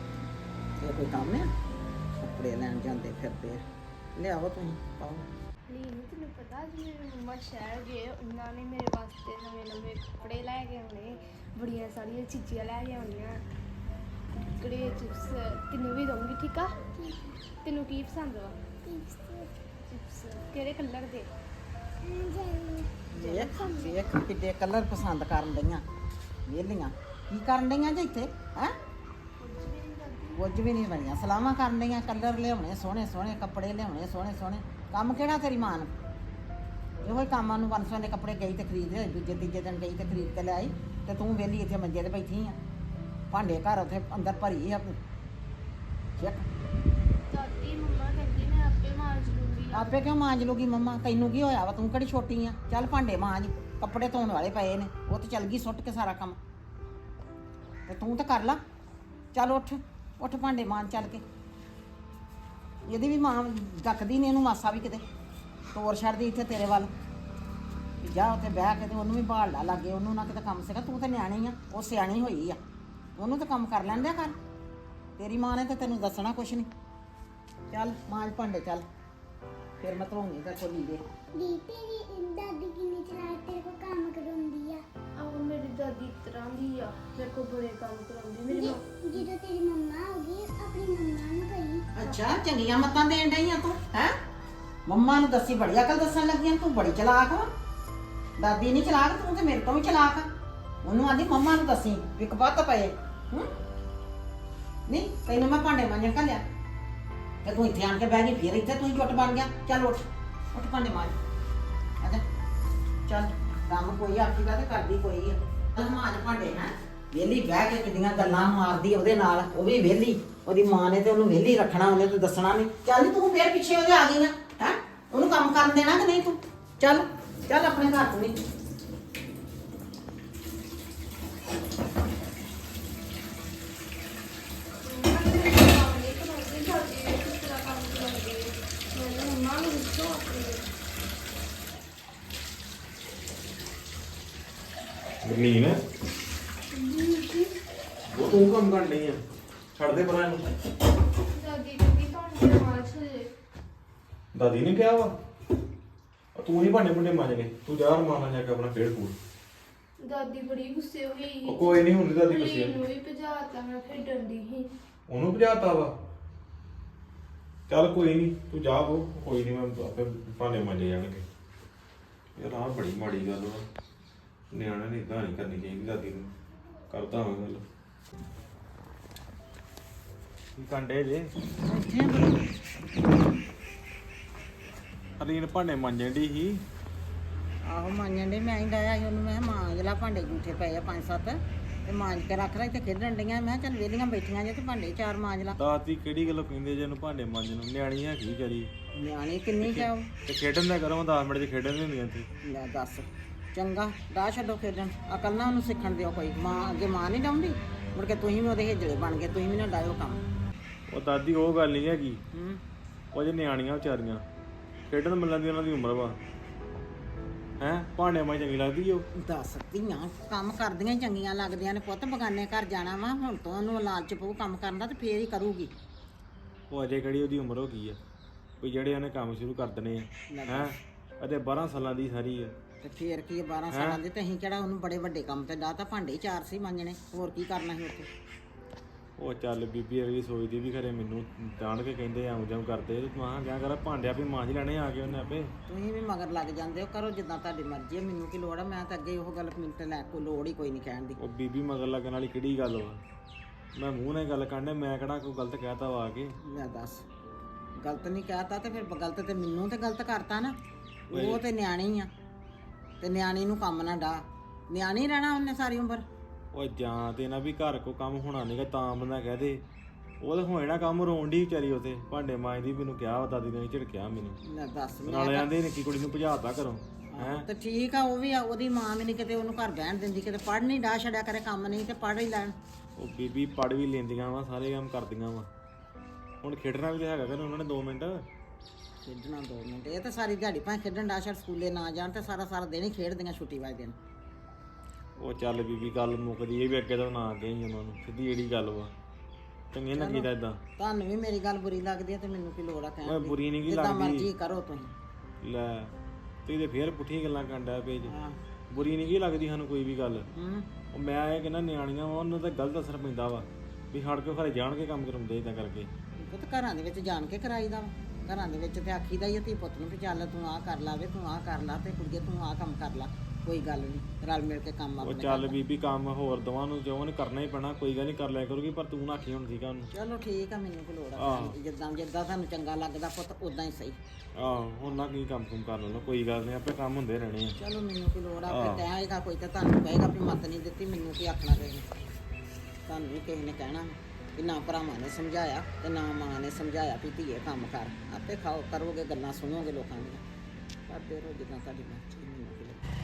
[SPEAKER 3] ਇਹ ਕੋਈ ਕੰਮ ਆ? ਕੱਪੜੇ ਲੈਣ ਜਾਂਦੇ ਫਿਰਦੇ ਆ, ਲਿਆਓ ਤੁਸੀਂ ਪਾਓ।
[SPEAKER 4] ਨਹੀਂ ਤੈਨੂੰ ਪਤਾ ਜੀ ਮੇਰੇ ਮੰਮਾ ਸ਼ਹਿਰ ਗਏ, ਉਹਨਾਂ ਨੇ ਮੇਰੇ ਵਾਸਤੇ ਨਵੇਂ ਨਵੇਂ ਕੱਪੜੇ ਲੈ ਕੇ ਆਉਣੇ, ਬੜੀਆਂ ਸਾਰੀਆਂ ਚੀਜ਼ਾਂ ਲੈ ਕੇ ਆਉਣੀਆਂ, ਕੁੜੇ ਚਿਪਸ ਤੈਨੂੰ ਵੀ ਦਊਂਗੀ, ਠੀਕ ਆ? ਤੈਨੂੰ ਕੀ ਪਸੰਦ ਵਾ? ਚਿਪਸ ਕਿਹੜੇ ਕਲਰ ਦੇ?
[SPEAKER 3] ਵੇਖ ਕਿੱਡੇ ਕਲਰ ਪਸੰਦ ਕਰਨ ਡਈਆਂ ਵਿਹਲੀਆਂ। ਕੀ ਕਰਨ ਡਈਆਂ ਜੇ ਇੱਥੇ ਹੈ? ਕੁਝ ਵੀ ਨਹੀਂ ਬਣੀਆਂ, ਸਲਾਮਾਂ ਕਰਨ ਡਈਆਂ। ਕਲਰ ਲਿਆਉਣੇ ਸੋਹਣੇ ਸੋਹਣੇ, ਕੱਪੜੇ ਲਿਆਉਣੇ ਸੋਹਣੇ ਸੋਹਣੇ। ਕੰਮ ਕਿਹੜਾ ਤੇਰੀ ਮਾਂ ਨੂੰ? ਇਹੋ ਹੀ ਕੰਮਾਂ ਨੂੰ 500 ਦੇ ਕੱਪੜੇ ਗਈ ਤੇ ਖਰੀਦ ਲਿਆਈ, ਦੂਜੇ ਤੀਜੇ ਦਿਨ ਗਈ ਤੇ ਖਰੀਦ ਕੇ ਲਿਆਈ, ਤੇ ਤੂੰ ਵਿਹਲੀ ਇੱਥੇ ਮੰਜੇ ਤੇ ਬੈਠੀ ਆ। ਭਾਂਡੇ ਘਰ ਉੱਥੇ ਅੰਦਰ ਭਰੀ ਆ। ਚੈੱਕ
[SPEAKER 4] ਦਾਦੀ ਮੰਮਾ ਕਹਿੰਦੀ ਮੈਂ ਆਪੇ ਮਾਂਜ ਲੂੰਗੀ।
[SPEAKER 3] ਆਪੇ ਕਿਉਂ ਮਾਂਜ ਲੂਗੀ ਮੰਮਾ? ਤੈਨੂੰ ਕੀ ਹੋਇਆ ਵਾ? ਤੂੰ ਕਿਹੜੀ ਛੋਟੀ ਆ? ਚੱਲ ਭਾਂਡੇ ਮਾਂਜ, ਕੱਪੜੇ ਧੋਣ ਵਾਲੇ ਪਏ ਨੇ, ਉਹ ਤੇ ਚੱਲ ਗਈ ਸੁੱਟ ਕੇ ਸਾਰਾ ਕੰਮ, ਤੇ ਤੂੰ ਤਾਂ ਕਰ ਲਾ। ਚੱਲ ਉੱਠ ਉੱਠ ਭਾਂਡੇ ਮਾਂਜ ਚੱਲ ਕੇ। ਇਹਦੀ ਵੀ ਮਾਂ ਡੱਕਦੀ ਨਹੀਂ ਇਹਨੂੰ ਮਾਸਾ ਵੀ, ਕਿਤੇ ਤੋਰ ਛੱਡਦੀ ਇੱਥੇ ਤੇਰੇ ਵੱਲ। ਵੀ ਜਾ ਉੱਥੇ ਬਹਿ ਕੇ ਤੇ ਉਹਨੂੰ ਵੀ ਭਾਲ ਲਾ ਲਾਗੇ, ਉਹਨੂੰ ਨਾ ਕਿਤੇ ਕੰਮ ਸਿਖਾ। ਤੂੰ ਤਾਂ ਨਿਆਣੀ ਆ, ਉਹ ਸਿਆਣੀ ਹੋਈ ਆ, ਉਹਨੂੰ ਤਾਂ ਕੰਮ ਕਰ ਲੈਣ ਦਿਆ ਕਰ। ਤੇਰੀ ਮਾਂ ਨੇ ਤਾਂ ਤੈਨੂੰ ਦੱਸਣਾ ਕੁਛ ਨਹੀਂ। ਚੱਲ ਮਾਂਜ ਭਾਂਡੇ ਚੱਲ, ਫਿਰ ਮੈਂ ਧੋਣੀ ਤੇ ਚੋਲੀ ਦੇ।
[SPEAKER 5] दी तेरी दादी की निचला तेरे को काम करवाਉਂਦੀ ਆ।
[SPEAKER 4] ਆਹ ਮੇਰੀ ਦਾਦੀ ਇਸ ਤਰ੍ਹਾਂ ਦੀ ਆ ਮੇਰੇ ਕੋਲ ਬੜੇ ਕੰਮ ਕਰਾਉਂਦੀ ਮੇਰੀ ਮਾਂ
[SPEAKER 5] ਜਦੋਂ ਤੇਰੀ ਮੰਮਾ ਆਉਗੀ ਆਪਣੀ ਮੰਮਾ ਨੂੰ ਕਹੀ
[SPEAKER 3] ਅੱਛਾ ਚੰਗੀਆਂ ਮੱਤਾਂ ਦੇਣ ਡਈ ਆ ਤੂੰ ਹੈ ਮੰਮਾ ਨੂੰ ਦੱਸੀ ਬੜੀ ਅਕਲ ਦੱਸਣ ਲੱਗੀ ਆਂ, ਤੂੰ ਬੜੀ ਚਲਾਕ ਵਾ ਦਾਦੀ ਨਹੀਂ ਚਲਾਕ ਤੂੰ ਤੇ ਮੇਰੇ ਤੋਂ ਵੀ ਚਲਾਕ ਆ ਉਹਨੂੰ ਆਂਦੀ ਮੰਮਾ ਨੂੰ ਦੱਸੀ ਵੀ ਕਪੱਤ ਪਏ ਹੂੰ ਨਹੀਂ ਤੈਨੂੰ ਮੈਂ ਭਾਂਡੇ ਮਾਂਜਣ ਘੱਲਿਆ ਤੇ ਤੂੰ ਇੱਥੇ ਆਣ ਕੇ ਬਹਿ ਗਈ ਫਿਰ ਇੱਥੇ ਤੂੰ ਹੀ ਚੁੱਟ ਬਣ ਗਿਆ ਚੱਲ ਉੱਠ ਉੱਠ ਭਾਂਡੇ ਮਾਂਜ ਆਜਾ ਚੱਲ ਕੰਮ ਕੋਈ ਆਖੀਦਾ ਤੇ ਕਰਦੀ ਕੋਈ ਆ ਮਾਂਜ ਭਾਂਡੇ ਹੈ ਵਿਹਲੀ ਬਹਿ ਕੇ ਕਿੰਨੀਆਂ ਗੱਲਾਂ ਮਾਰਦੀ ਉਹਦੇ ਨਾਲ ਉਹ ਵੀ ਵਿਹਲੀ ਉਹਦੀ ਮਾਂ ਨੇ ਤੇ ਉਹਨੂੰ ਵਿਹਲੀ ਰੱਖਣਾ ਉਹਨੇ ਤੇ ਦੱਸਣਾ ਨਹੀਂ ਚੱਲ ਤੂੰ ਫੇਰ ਪਿੱਛੇ ਉਹਦੇ ਆ ਗਈ ਆ ਹੈ ਉਹਨੂੰ ਕੰਮ ਕਰਨ ਦੇਣਾ ਕਿ ਨਹੀਂ ਤੂੰ ਚੱਲ ਚੱਲ ਆਪਣੇ ਘਰ ਤੂੰ ਨਹੀਂ
[SPEAKER 1] ਗਰਲੀਨ ਉਹ ਤੂੰ ਕੰਮ ਕਰਨ ਡਈ ਆ ਛੱਡ ਦੇ ਪਰਾਂ ਇਹਨੂੰ
[SPEAKER 4] ਦਾਦੀ ਕਹਿੰਦੀ ਤੁਹਾਨੂੰ ਮਾਰਚ ਹੋ ਜੇ
[SPEAKER 1] ਦਾਦੀ ਨੇ ਕਿਹਾ ਵਾ ਤੂੰ ਹੀ ਭਾਂਡੇ ਭੁੰਡੇ ਮਾਂਜ ਗਏ ਤੂੰ ਜਾ ਰਮਾਨਾ ਜਾ ਕੇ ਆਪਣਾ ਖੇਡ ਕੂਦ
[SPEAKER 4] ਦਾਦੀ ਬੜੀ ਗੁੱਸੇ ਹੋਈ
[SPEAKER 1] ਉਹ ਕੋਈ ਨਹੀਂ ਹੁੰਦੀ ਦਾਦੀ ਗੁੱਸੇ
[SPEAKER 4] ਨੂੰ ਵੀ ਭਜਾਤਾ ਮੈਂ ਫਿਰ ਡੰਡੀ ਸੀ
[SPEAKER 1] ਉਹਨੂੰ ਭਜਾਤਾ ਵਾ ਚੱਲ ਕੋਈ ਨਹੀਂ ਤੂੰ ਜਾ ਉਹ ਕੋਈ ਨਹੀਂ ਮੈਂ ਆਪੇ ਭਾਂਡੇ ਮਾਂਜੇ ਜਾਣਗੇ ਯਾਰ ਆਹ ਬੜੀ ਮਾੜੀ ਗੱਲ ਵਾ ਨਿਆਣੇ ਨੇ ਇਦਾਂ ਨਹੀਂ ਕਰਨੀ ਚਾਹੀਦੀ ਦਾਦੀ ਨੂੰ ਕਰਦਾ ਹਾਂ ਗੱਲ ਕੀ ਕੰਡੇ ਜੇ ਅਲੀਨ ਭਾਂਡੇ ਮਾਂਜਣ ਦੀ ਸੀ
[SPEAKER 3] ਆਹੋ ਮਾਂਜਣ ਦੇ ਮੈਂ ਹੀ ਡਾਇਆ ਸੀ ਉਹਨੂੰ ਮੈਂ ਕਿਹਾ ਮਾਂਜ ਲਾ ਭਾਂਡੇ ਜੂਠੇ ਪਏ ਆ 5-7 ਤੇ ਮਾਂਜ ਕੇ ਰੱਖ ਲੈ ਤੇ ਖੇਡਣ ਡੀਆਂ ਮੈਂ ਕਿਹਾ ਚੱਲ ਵਿਹਲੀਆਂ ਬੈਠੀਆਂ ਜੇ ਤੇ ਭਾਂਡੇ 4 ਮਾਂਜ ਲਾ
[SPEAKER 1] ਦਾਦੀ ਕਿਹੜੀ ਗੱਲੋਂ ਕਹਿੰਦੇ ਜੇ ਇਹਨੂੰ ਭਾਂਡੇ ਮਾਂਜਣ ਨੂੰ ਨਿਆਣੀ ਹੈਗੀ ਵਿਚਾਰੀ
[SPEAKER 3] ਨਿਆਣੀ ਕਿੰਨੀ ਕਿਆ
[SPEAKER 1] ਤੇ ਖੇਡਣ ਦਾ ਕਰੋ 10 ਮਿੰਟ ਚ ਖੇਡਣ ਨਹੀਂ ਹੁੰਦੀਆਂ ਇੱਥੇ
[SPEAKER 3] ਲੈ ਦੱਸ ਚੰਗਾ ਰਾਹ ਛੱਡੋ ਖੇਡਣ ਅਕਲ ਨਾ ਉਹਨੂੰ ਸਿੱਖਣ ਦਿਓ ਕੋਈ ਮਾਂ ਅੱਗੇ ਮਾਂ ਨਹੀਂ ਡਾਉਂਦੀ ਮੁੜ ਕੇ ਤੁਸੀਂ ਵੀ ਉਹਦੇ ਹੇਜਲੇ ਬਣ ਗਏ ਤੁਸੀਂ ਵੀ ਨਾ ਡਾਇਓ ਕੰਮ
[SPEAKER 1] ਉਹ ਦਾਦੀ ਉਹ ਗੱਲ ਨਹੀਂ ਹੈਗੀ
[SPEAKER 3] ਹੂੰ
[SPEAKER 1] ਉਹ ਜੇ ਨਿਆਣੀਆਂ ਵਿਚਾਰੀਆਂ ਖੇਡਣ ਮਿਲਣ ਦੀ ਉਹਨਾਂ ਦੀ ਉਮਰ ਵਾ ਹੈ ਭਾਂਡੇ ਮਾਂ ਚੰਗੀ ਲੱਗਦੀ ਉਹ
[SPEAKER 3] ਦੱਸ ਧੀਆਂ ਕੰਮ ਕਰਦੀਆਂ ਹੀ ਚੰਗੀਆਂ ਲੱਗਦੀਆਂ ਨੇ ਪੁੱਤ ਬਗਾਨੇ ਘਰ ਜਾਣਾ ਵਾ ਹੁਣ ਤੋਂ ਉਹਨੂੰ ਲਾਲਚ ਪਊ ਕੰਮ ਕਰਨ ਦਾ ਤੇ ਫੇਰ ਹੀ ਕਰੂਗੀ
[SPEAKER 1] ਉਹ ਅਜੇ ਕਿਹੜੀ ਉਹਦੀ ਉਮਰ ਹੋ ਗਈ ਆ ਕੋਈ ਜਿਹੜੇ ਉਹਨੇ ਕੰਮ ਸ਼ੁਰੂ ਕਰ ਦੇਣੇ ਆ ਹੈ ਅਤੇ 12 ਸਾਲਾਂ ਦੀ ਸਾਰੀ ਆ
[SPEAKER 3] ਤੇ ਫੇਰ ਕੀ 12 ਸਾਲਾਂ ਦੇ ਤੇ ਅਸੀਂ ਕਿਹੜਾ ਉਹਨੂੰ ਬੜੇ ਵੱਡੇ ਕੰਮ ਤੇ ਡਾਹ ਤਾਂ ਭਾਂਡੇ 4 ਸੀ ਮਾਂਜਣੇ ਹੋਰ ਕੀ ਕਰਨਾ ਸੀ ਉੱਥੇ
[SPEAKER 1] ਉਹ ਚੱਲ ਬੀਬੀ ਅਗਲੀ ਸੋਚਦੀ ਵੀ ਖਰੇ ਮੈਨੂੰ ਤਾਣ ਕੇ ਕਹਿੰਦੇ ਆਉਂ ਜਾਉਂ ਕਰਦੇ ਮਾਂ ਕਿਆ ਕਰ ਭਾਂਡਿਆ ਵੀ ਮਾਂਜ ਲੈਣੇ ਆ ਕੇ ਉਹਨੇ ਆਪੇ
[SPEAKER 3] ਤੁਸੀਂ ਵੀ ਮਗਰ ਲੱਗ ਜਾਂਦੇ ਹੋ ਕਰੋ ਜਿੱਦਾਂ ਤੁਹਾਡੀ ਮਰਜ਼ੀ ਹੈ ਮੈਨੂੰ ਕੀ ਲੋੜ ਹੈ ਮੈਂ ਤਾਂ ਅੱਗੇ ਉਹ ਗੱਲ ਮੈਨੂੰ ਤੇ ਲੈ ਕੋਈ ਲੋੜ ਹੀ ਕੋਈ ਨਹੀਂ ਕਹਿਣ ਦੀ
[SPEAKER 1] ਉਹ ਬੀਬੀ ਮਗਰ ਲੱਗਣ ਵਾਲੀ ਕਿਹੜੀ ਗੱਲ ਵਾ ਮੈਂ ਮੂੰਹ ਨਾਲ ਗੱਲ ਕਰਨੇ ਮੈਂ ਕਿਹੜਾ ਕੋਈ ਗਲਤ ਕਹਿਤਾ ਵਾ ਆ ਕੇ
[SPEAKER 3] ਲੈ ਦੱਸ ਗਲਤ ਨਹੀਂ ਕਹਿਤਾ ਤੇ ਫਿਰ ਗਲਤ ਤੇ ਮੈਨੂੰ ਤੇ ਗਲਤ ਕਰਤਾ ਨਾ ਉਹ ਤੇ ਨਿਆਣੀ ਆ ਤੇ ਨਿਆਣੀ ਨੂੰ ਕੰਮ ਨਾ ਡਾ ਨਿਆਣੀ ਰਹਿਣਾ ਉਹਨੇ ਸਾਰੀ ਉਮਰ
[SPEAKER 1] ਉਹ ਜਾਂ ਤੇ ਨਾ ਵੀ ਘਰ ਕੋ ਕੰਮ ਹੋਣਾ ਨਹੀਂਗਾ ਤਾਂ ਬੰਦਾ ਕਹਿ ਦੇ ਉਹ ਤਾਂ ਹੋਣਾ ਕੰਮ ਰੋਣ ਦੀ ਵਿਚਾਰੀ ਉਥੇ ਭਾਂਡੇ ਮਾਂਜਦੀ ਮੈਨੂੰ ਕਿਹਾ ਦਾਦੀ ਨੇ ਝਿੜਕਿਆ ਮੈਨੂੰ
[SPEAKER 3] ਲੈ ਦੱਸ
[SPEAKER 1] ਨਾਲ ਜਾਂਦੇ ਨਿੱਕੀ ਕੁੜੀ ਨੂੰ ਭਜਾਤਾ ਘਰੋਂ ਹੈ
[SPEAKER 3] ਤੇ ਠੀਕ ਆ ਉਹ ਵੀ ਆ ਉਹਦੀ ਮਾਂ ਵੀ ਨਹੀਂ ਕਿਤੇ ਉਹਨੂੰ ਘਰ ਬਹਿਣ ਦਿੰਦੀ ਕਿਤੇ ਪੜ੍ਹ ਨਹੀਂ ਡਾ ਛੜਿਆ ਕਰੇ ਕੰਮ ਨਹੀਂ ਤੇ ਪੜ੍ਹ ਹੀ ਲੈਣ
[SPEAKER 1] ਉਹ ਬੀਬੀ ਪੜ ਵੀ ਲੈਂਦੀਆਂ ਵਾ ਸਾਰੇ ਕੰਮ ਕਰਦੀਆਂ ਵਾ ਹੁਣ ਖੇਡਣਾ ਵੀ ਤਾਂ ਹੈਗਾ ਕਿ ਉਹਨਾਂ ਨੇ 2 ਮਿੰਟ
[SPEAKER 3] ਖੇਡਣਾ 2 ਮਿੰਟ ਇਹ ਤਾਂ ਸਾਰੀ ਦਿਹਾੜੀ ਭਾਵੇਂ ਖੇਡਣ ਡਾ ਛੜ ਸਕੂਲੇ ਨਾ ਜਾਣ ਤੇ ਸਾਰਾ ਦਿਨ ਹੀ ਖੇਡਦੀਆਂ ਛੁੱਟੀ ਵਾਲੇ ਦਿਨ
[SPEAKER 1] ਉਹ ਚੱਲ ਬੀਬੀ ਗੱਲ ਮੁੱਕਦੀ ਇਹ ਵੀ ਅੱਗੇ ਤਾਂ ਨਾ ਅੱਗੇ ਹੀ ਉਹਨਾਂ ਨੂੰ ਸਿੱਧੀ ਜਿਹੜੀ ਗੱਲ ਵਾ ਚੰਗੇ ਨਾ ਕੀਤਾ ਇਦਾਂ
[SPEAKER 3] ਤੁਹਾਨੂੰ ਵੀ ਮੇਰੀ ਗੱਲ ਬੁਰੀ ਲੱਗਦੀ ਹੈ ਤੇ ਮੈਨੂੰ ਕੀ ਲੋੜ ਆ ਕਹਿਣ
[SPEAKER 1] ਓਏ
[SPEAKER 3] ਦੀ
[SPEAKER 1] ਬੁਰੀ ਨਹੀਂ ਕੀ
[SPEAKER 3] ਜਿੱਦਾਂ
[SPEAKER 1] ਲੱਗਦੀ
[SPEAKER 3] ਮਰਜ਼ੀ ਕਰੋ ਤੁਸੀਂ
[SPEAKER 1] ਲੈ ਤੇ ਇਹਦੇ ਫੇਰ ਪੁੱਠੀਆਂ ਗੱਲਾਂ ਕਰਦਾ ਪੇਜ
[SPEAKER 3] ਹਾਂ
[SPEAKER 1] ਬੁਰੀ ਨਹੀਂ ਕੀ ਲੱਗਦੀ ਸਾਨੂੰ ਕੋਈ ਵੀ ਗੱਲ
[SPEAKER 3] ਹੂੰ
[SPEAKER 1] ਉਹ ਮੈਂ ਇਹ ਕਹਿੰਦਾ ਨਿਆਣੀਆਂ ਵਾ ਉਹਨਾਂ ਦਾ ਗਲਤ ਅਸਰ ਪੈਂਦਾ ਵਾ ਵੀ ਹੜ ਕੇ ਘਰੇ ਜਾਣ ਕੇ ਕੰਮ ਕਰਾਉਂਦੇ ਇਦਾਂ ਕਰਕੇ
[SPEAKER 3] ਉਹ ਤਾਂ ਘਰਾਂ ਦੇ ਵਿੱਚ ਜਾਣ ਕੇ ਕਰਾਈਦਾ ਵਾ ਘਰਾਂ ਦੇ ਵਿੱਚ ਤੇ ਆਖੀਦਾ ਹੀ ਆ ਧੀ ਪੁੱਤ ਨੂੰ ਵੀ ਚੱਲ ਤੂੰ ਆਹ ਕਰ ਲਾ ਵੇ ਤੂੰ ਆਹ ਕਰ ਲਾ ਤੇ ਕੁੜੀਏ ਤੂੰ ਆਹ ਕੰਮ ਕਰ ਲਾ ਕੋਈ ਗੱਲ ਨਹੀਂ ਰਲ ਮਿਲ ਕੇ ਕੰਮ
[SPEAKER 1] ਉਹ
[SPEAKER 3] ਆਪਣੇ
[SPEAKER 1] ਚੱਲ ਬੀਬੀ ਕੰਮ ਹੋਰ ਦਵਾਂ ਨੂੰ ਜੋ ਉਹਨੇ ਕਰਨਾ ਹੀ ਪੈਣਾ ਕੋਈ ਗੱਲ ਨਹੀਂ ਕਰ ਲਿਆ ਕਰੂਗੀ ਪਰ ਤੂੰ ਨਾ ਆਖੀ ਹੁਣ ਸੀਗਾ ਉਹਨੂੰ
[SPEAKER 3] ਚਲੋ ਠੀਕ ਆ ਮੈਨੂੰ ਕੋਈ ਲੋੜ ਆ
[SPEAKER 1] ਆਹ।
[SPEAKER 3] ਜਿੱਦਾਂ ਤੁਹਾਨੂੰ ਚੰਗਾ ਲੱਗਦਾ ਪੁੱਤ ਉਦਾਂ ਹੀ ਸਹੀ
[SPEAKER 1] ਆਹ ਹੁਣ ਨਾ ਕੀ ਕੰਮ ਕੁਮ ਕਰ ਲੈਣਾ ਕੋਈ ਗੱਲ ਨਹੀਂ ਆਪੇ ਕੰਮ ਹੁੰਦੇ ਰਹਿਣੇ ਆ
[SPEAKER 3] ਚਲੋ ਮੈਨੂੰ ਕੋਈ ਲੋੜ ਆ ਫਿਰ ਕਹੇਗਾ ਕੋਈ ਤਾਂ ਤੁਹਾਨੂੰ ਕਹੇਗਾ ਵੀ ਮੱਤ ਨਹੀਂ ਦਿੱਤੀ ਮੈਨੂੰ ਕੀ ਆਖਣਾ ਕਿਸੇ ਨੇ ਤੁਹਾਨੂੰ ਵੀ ਕਿਸੇ ਨੇ ਕਹਿਣਾ ਵੀ ਨਾ ਭਰਾਵਾਂ ਨੇ ਸਮਝਾਇਆ ਤੇ ਨਾ ਮਾਂ ਨੇ ਸਮਝਾਇਆ ਵੀ ਧੀਏ ਕੰਮ ਕਰ ਆਪੇ ਖਾਓ ਕਰੋਗੇ ਗੱਲਾਂ ਸੁਣੋਗੇ ਲੋਕਾਂ ਦੀਆਂ ਕਰਦੇ ਰਹੋ ਜਿੱਦਾਂ ਤੁਹਾਡੀ ਮਰਜ਼ੀ ਮੈਨੂੰ ਕੀ ਲੋੜ।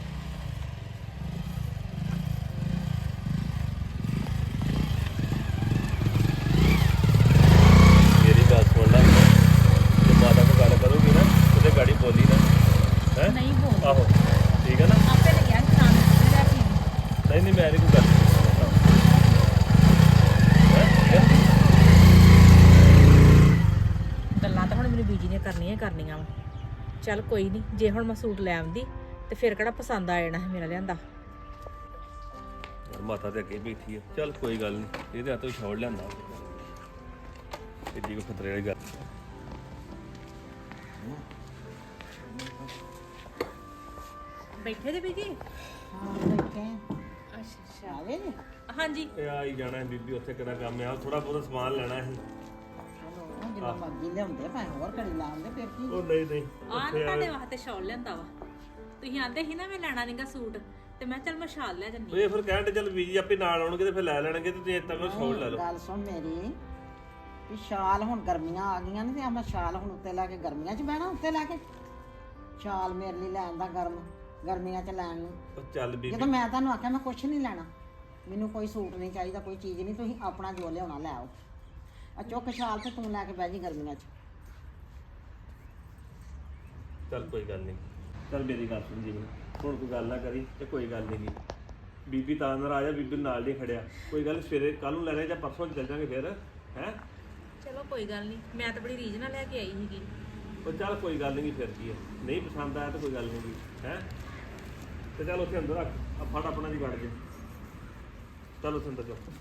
[SPEAKER 1] ਮੇਰੀ ਗੱਲ ਸੁਣ ਲੈ ਜੇ ਮਾਤਾ ਕੋ ਗੱਲ ਕਰੂਗੀ ਨਾ ਉਹਦੇ ਗਾੜੀ ਬੋਲੀ ਨਾ ਹੈ
[SPEAKER 2] ਨਹੀਂ ਬੋਲ
[SPEAKER 1] ਆਹੋ ਠੀਕ ਹੈ ਨਾ
[SPEAKER 2] ਆਪੇ ਲੱਗਿਆ ਸ਼ਾਮ ਨੂੰ ਲੈ ਪੀ
[SPEAKER 1] ਨਹੀਂ ਮੈਂ ਨਹੀਂ ਕੋਈ ਗੱਲ
[SPEAKER 2] ਗੱਲਾਂ ਤਾਂ ਹੁਣ ਮੈਨੂੰ ਬੀਜੀ ਨੇ ਕਰਨੀਆਂ ਹੀ ਕਰਨੀਆਂ ਵਾ ਚੱਲ ਕੋਈ ਨਹੀਂ ਜੇ ਹੁਣ ਮੈਂ ਸੂਟ ਲੈ ਆਉਂਦੀ ਤੇ ਫਿਰ ਕਿਹੜਾ ਪਸੰਦ ਆ ਜਾਣਾ ਸੀ ਮੇਰਾ ਲਿਆਂਦਾ
[SPEAKER 6] ਮਾਤਾ ਤੇ ਅੱਗੇ ਬੈਠੀ ਆ। ਚੱਲ ਕੋਈ ਗੱਲ ਨਹੀਂ, ਇਹਦੇ ਹੱਥੋਂ ਛੋੜ ਲਿਆਂਦਾ ਏਡੀ ਕੋ ਖਤਰੇ ਵਾਲੀ ਗੱਲ।
[SPEAKER 2] ਬੈਠੇ ਜੇ ਬੀਜੀ?
[SPEAKER 3] ਹਾਂ ਬੈਠੇ
[SPEAKER 2] ਅੱਛਾ
[SPEAKER 3] ਆਵੇ ਨੇ
[SPEAKER 2] ਹਾਂਜੀ।
[SPEAKER 6] ਇਹ ਆ ਹੀ ਜਾਣਾ ਬੀਬੀ, ਉੱਥੇ ਕਿਹੜਾ ਕੰਮ ਆ, ਥੋੜਾ ਬਹੁਤਾ ਸਮਾਨ ਲੈਣਾ ਸੀ।
[SPEAKER 3] ਚਲੋ ਜਿੰਨਾ ਮਰਜ਼ੀ ਲਿਆਉਂਦੇ ਭਾਵੇਂ ਹੋਰ ਘੜੀ ਲਾਉਂਦੇ ਫਿਰ ਕੀ
[SPEAKER 6] ਉਹ ਨਹੀਂ ਨਹੀਂ
[SPEAKER 2] ਆਹ ਨਾ ਤੁਹਾਡੇ ਵਾਸਤੇ ਸ਼ਾਲ ਲਿਆਂਦਾ ਵਾ। ਤੁਸੀਂ ਆਂਦੇ ਸੀ ਨਾ ਮੈਂ ਲੈਣਾ ਨਹੀਂਗਾ ਸੂਟ, ਤੇ ਮੈਂ ਚੱਲ ਮੈਂ ਸ਼ਾਲ ਲੈ ਜੰਨੀ।
[SPEAKER 6] ਇਹ ਫਿਰ ਕਹਿੰਦੇ ਚੱਲ ਬੀਜੀ ਆਪੇ ਨਾਲ ਆਉਣਗੇ ਤੇ ਫਿਰ ਲੈ ਲੈਣਗੇ, ਤੇ ਤੁਸੀਂ ਇੱਦਾਂ ਕਰੋ ਛੋੜ ਲੈ ਲਓ।
[SPEAKER 3] ਗੱਲ ਸੁਣ ਮੇਰੀ ਵੀ ਸ਼ਾਲ ਹੁਣ ਗਰਮੀਆਂ ਆ ਗਈਆਂ ਨੇ ਤੇ ਆਪਾਂ ਸ਼ਾਲ ਹੁਣ ਉੱਤੇ ਲਾ ਕੇ ਗਰਮੀਆਂ 'ਚ ਬਹਿਣਾ, ਉੱਤੇ ਲਾ ਕੇ ਸ਼ਾਲ ਮੇਰੇ ਲਈ ਲੈਣ ਦਾ ਗਰਮੀਆਂ 'ਚ ਲੈਣ ਨੂੰ।
[SPEAKER 6] ਉਹ ਚੱਲ ਬੀਬੀ
[SPEAKER 3] ਜਦੋਂ ਮੈਂ ਤੁਹਾਨੂੰ ਆਖਿਆ ਮੈਂ ਕੁਛ ਨਹੀਂ ਲੈਣਾ, ਮੈਨੂੰ ਕੋਈ ਸੂਟ ਨਹੀਂ ਚਾਹੀਦਾ, ਕੋਈ ਚੀਜ਼ ਨਹੀਂ, ਤੁਸੀਂ ਆਪਣਾ ਜੋ ਲਿਆਉਣਾ ਲੈ ਆਓ। ਆ ਚੁੱਕ ਸ਼ਾਲ ਤੇ ਤੂੰ ਲੈ ਕੇ ਬਹਿ ਜੀ ਗਰਮੀਆਂ 'ਚ।
[SPEAKER 6] ਚੱਲ ਕੋਈ ਗੱਲ ਨਹੀਂ, ਚੱਲ ਮੇਰੀ ਗੱਲ ਸੁਣ ਜੀ, ਹੁਣ ਕੋਈ ਗੱਲ ਨਾ ਕਰੀ ਤੇ ਕੋਈ ਗੱਲ ਨਹੀਂ ਗੀ। ਬੀਬੀ ਤਾਂ ਨਾਰਾਜ਼ ਆ, ਬੀਬੀ ਨਾਲ ਨਹੀਂ ਖੜਿਆ। ਕੋਈ ਗੱਲ ਸਵੇਰੇ ਕੱਲ ਨੂੰ ਲੈਣੇ ਜਾਂ ਪਰਸੋਂ ਚੱਲ ਜਾਂਗੇ ਫਿਰ, ਹੈ।
[SPEAKER 2] ਚਲੋ ਕੋਈ ਗੱਲ ਨਹੀਂ, ਮੈਂ ਤਾਂ ਬੜੀ ਰੀਝ ਨਾਲ ਲੈ ਕੇ ਆਈ ਸੀਗੀ।
[SPEAKER 6] ਉਹ ਚੱਲ ਕੋਈ ਗੱਲ ਨਹੀਂ, ਫਿਰ ਕੀ ਹੈ, ਨਹੀਂ ਪਸੰਦ ਆਇਆ ਤਾਂ ਕੋਈ ਗੱਲ ਨਹੀਂ ਗੀ, ਹੈ। ਤੇ ਚੱਲ ਉੱਥੇ ਅੰਦਰ ਰੱਖ, ਆ ਫੜ ਆਪਣਾ ਜੀ ਕੱਢ ਜੇ। ਚੱਲ ਉੱਥੇ ਅੰਦਰ ਚੁੱਕ।